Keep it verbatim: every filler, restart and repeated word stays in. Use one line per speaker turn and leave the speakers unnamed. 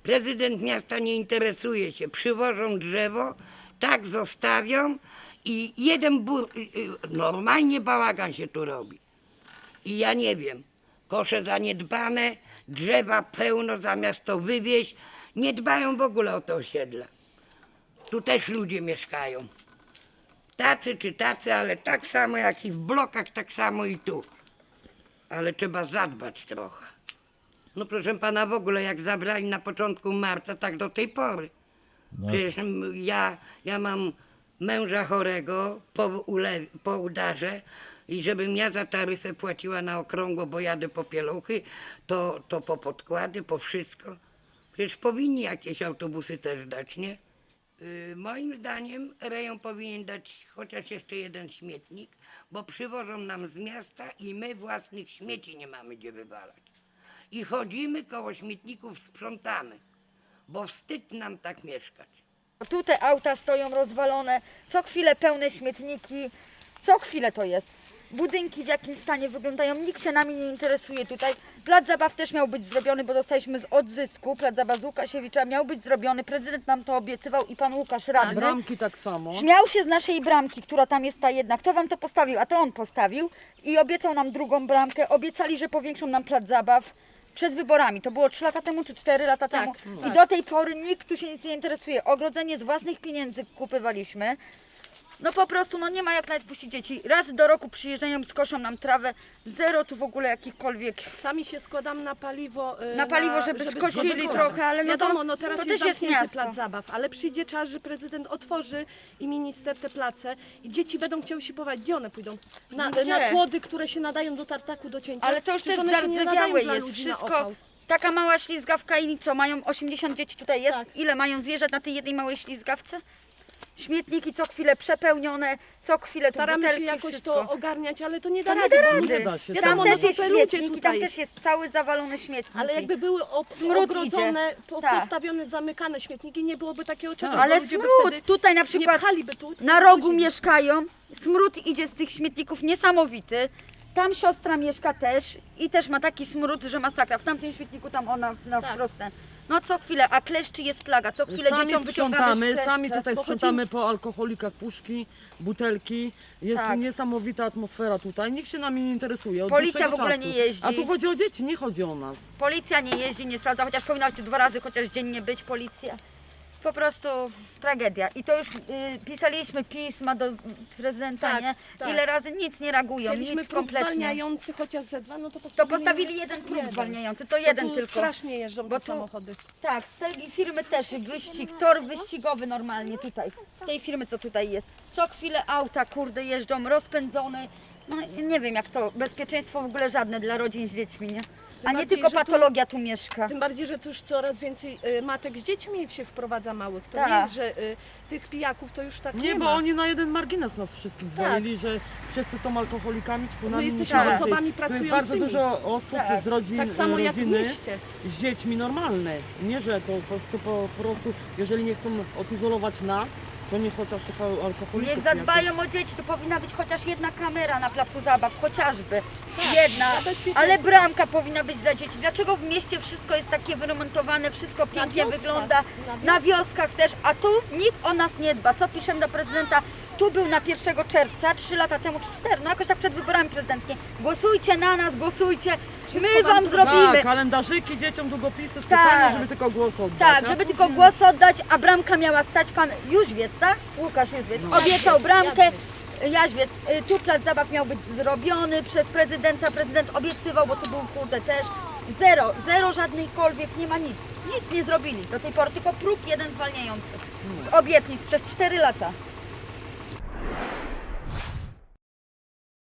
Prezydent miasta nie interesuje się, przywożą drzewo, tak zostawią i jeden bur... normalnie bałagan się tu robi. I ja nie wiem, kosze zaniedbane, drzewa pełno, zamiast to wywieźć, nie dbają w ogóle o to osiedle. Tu też ludzie mieszkają. Tacy czy tacy, ale tak samo jak i w blokach, tak samo i tu. Ale trzeba zadbać trochę. No proszę pana, w ogóle jak zabrali na początku marca, tak do tej pory.
No,
Przecież ja, ja mam męża chorego po, ule, po udarze i żebym ja za taryfę płaciła na okrągło, bo jadę po pieluchy, to, to po podkłady, po wszystko. Przecież powinni jakieś autobusy też dać, nie? Yy, moim zdaniem rejon powinien dać chociaż jeszcze jeden śmietnik, bo przywożą nam z miasta i my własnych śmieci nie mamy gdzie wywalać. I chodzimy koło śmietników, sprzątamy, bo wstyd nam tak mieszkać.
Tu te auta stoją rozwalone, co chwilę pełne śmietniki, co chwilę to jest. Budynki w jakim stanie wyglądają, nikt się nami nie interesuje tutaj. Plac zabaw też miał być zrobiony, bo dostaliśmy z odzysku, plac zabaw z Łukasiewicza miał być zrobiony, prezydent nam to obiecywał i pan Łukasz radny.
Bramki tak samo.
Śmiał się z naszej bramki, która tam jest ta jedna. Kto wam to postawił? A to on postawił i obiecał nam drugą bramkę, obiecali, że powiększą nam plac zabaw. Przed wyborami, to było trzy lata temu czy cztery lata temu i do tej pory nikt tu się nic nie interesuje. Ogrodzenie z własnych pieniędzy kupywaliśmy. No po prostu, no nie ma jak nawet puścić dzieci. Raz do roku przyjeżdżają, skoszą nam trawę, zero tu w ogóle jakichkolwiek.
Sami się składamy na paliwo, y,
Na paliwo, żeby skosili
zgodzić.
trochę, ale no to-
wiadomo, no teraz
to
jest
też jest
zamknięty
miasto.
plac zabaw, ale przyjdzie czas, że prezydent otworzy i minister te place i dzieci będą chciały się pochować. Gdzie one pójdą? Na,
No gdzie?
na płody, które się nadają do tartaku, do cięcia.
Ale to już
Przecież
też
one się nie nadają
zardzewiałe
dla
jest
ludzi na
wszystko.
opał.
Taka mała ślizgawka i co, mają osiemdziesiąt dzieci tutaj jest?
Tak.
Ile mają zjeżdżać na tej jednej małej ślizgawce? Śmietniki co chwilę przepełnione, co chwilę tu
Staramy się
butelki,
jakoś
wszystko.
to ogarniać, ale to nie da
To nie
rady.
da
bo
rady.
Nie da się.
Wiadomo,
Tam
no
też
to
jest
te ludzie
śmietnik i
tutaj.
tam też jest cały zawalony śmietnik.
Ale jakby były ob-
Smród
ogrodzone, po,
Tak.
postawione, zamykane śmietniki, nie byłoby takiego czegoś.
Ale
bo ludzie by
smród,
wtedy
tutaj na
nie
przykład
pchaliby tu,
na rogu
wozili.
mieszkają, smród idzie z tych śmietników niesamowity. Tam siostra mieszka też i też ma taki smród, że masakra. W tamtym śmietniku tam ona na
Tak.
wprost ten. No co chwilę, a kleszczy jest plaga, co chwilę
Sami
dzieciom wyciągamy
sprzątamy,
kleszcze.
sami tutaj
Bo
sprzątamy po alkoholikach puszki, butelki. Jest
Tak.
niesamowita atmosfera tutaj. Nikt się nami nie interesuje od
Policja
dłuższego
w ogóle
czasu.
nie jeździ.
A tu chodzi o dzieci, nie chodzi o nas.
Policja nie jeździ, nie sprawdza, chociaż powinna tu dwa razy chociaż dziennie być policja. Po prostu tragedia. I to już y, pisaliśmy pisma do prezydenta,
Tak,
nie?
tak.
Ile razy nic nie reagują,
Chcieliśmy
nic
próg
kompletnie.
zwalniający chociaż ze dwa, no to
To
postawili,
postawili jeden próg
jeden.
zwalniający, to
Bo
jeden
tu
tylko.
strasznie jeżdżą
Bo
te
tu-
samochody.
Tak, z tej firmy też wyścig, tor wyścigowy normalnie tutaj. Z tej firmy co tutaj jest. Co chwilę auta kurde jeżdżą, rozpędzone. No nie wiem jak to, bezpieczeństwo w ogóle żadne dla rodzin z dziećmi, nie? A nie
bardziej,
tylko
że tu-
patologia tu mieszka.
Tym bardziej, że tu już coraz więcej y, matek z dziećmi się wprowadza małych. To
Tak.
nie jest, że y, tych pijaków to już tak nie,
Nie, bo
ma.
oni na jeden margines nas wszystkich zwalili, że wszyscy są alkoholikami, ćpunami.
My
nikt
jesteśmy
więcej.
osobami
Tu jest bardzo
pracującymi.
dużo osób
Tak.
z rodzin,
Tak samo jak w
rodziny
mieście.
z dziećmi normalne. Nie, że to, to, to po prostu, jeżeli nie chcą odizolować nas, to nie chociaż tych alkoholików.
Niech
jakoś.
zadbają o dzieci, tu powinna być chociaż jedna kamera na placu zabaw, chociażby. Jedna,
dla bezpieczeństwa.
ale bramka powinna być dla dzieci. Dlaczego w mieście wszystko jest takie wyremontowane, wszystko pięknie
wioskach,
wygląda,
na
na wioskach też, a tu nikt o nas nie dba. Co piszemy do prezydenta? Tu był na pierwszego czerwca, trzy lata temu czy cztery, no jakoś tak przed wyborami prezydenckimi. Głosujcie na nas, głosujcie, my
wam
wam
zrobimy.
zrobimy.
Tak, kalendarzyki dzieciom, długopisy specjalnie,
Tak.
żeby tylko głos oddać.
Tak,
a
żeby
później-
tylko głos oddać, a bramka miała stać pan Jóźwiec, tak? Łukasz Jóźwiec. Obiecał bramkę. Jaźwiec, y, tu plac zabaw miał być zrobiony przez prezydenta, prezydent obiecywał, bo tu był kurde też. Zero, zero żadnejkolwiek, nie ma nic. Nic nie zrobili do tej pory, tylko próg jeden zwalniający. Z obietnic przez cztery lata.